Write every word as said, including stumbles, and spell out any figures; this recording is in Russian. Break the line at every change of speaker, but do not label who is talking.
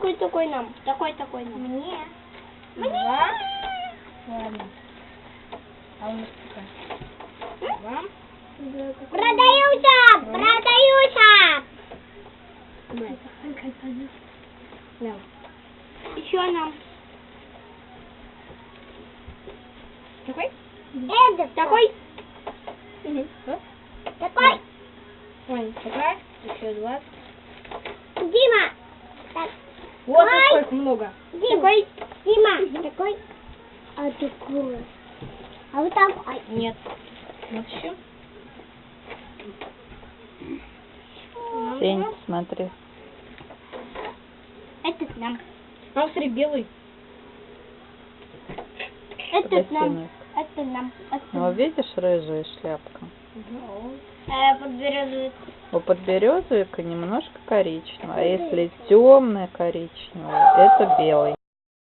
такой, такой нам. Такой, такой нам.
Мне.
Мне.
Два. Ладно. А у нас какая? Вам?
Продаются! Продаются!
Да.
Еще нам.
Такой?
Эд, такой.
Угу.
Такой.
Ой, такая. Еще два.
Дима. Так.
Вот
Ой.
сколько много.
Дима. Такой. Дима. Такой. А такой. А вот такой.
Нет. Вот еще.
Сень, смотри.
Этот нам.
А смотри, белый.
Этот нам.
Красивый.
Это нам. Это
Ну,
нам.
видишь, рыжая шляпка?
Э, подберезовый.
У подберезовика немножко коричневая, а если темная коричневая, это белый.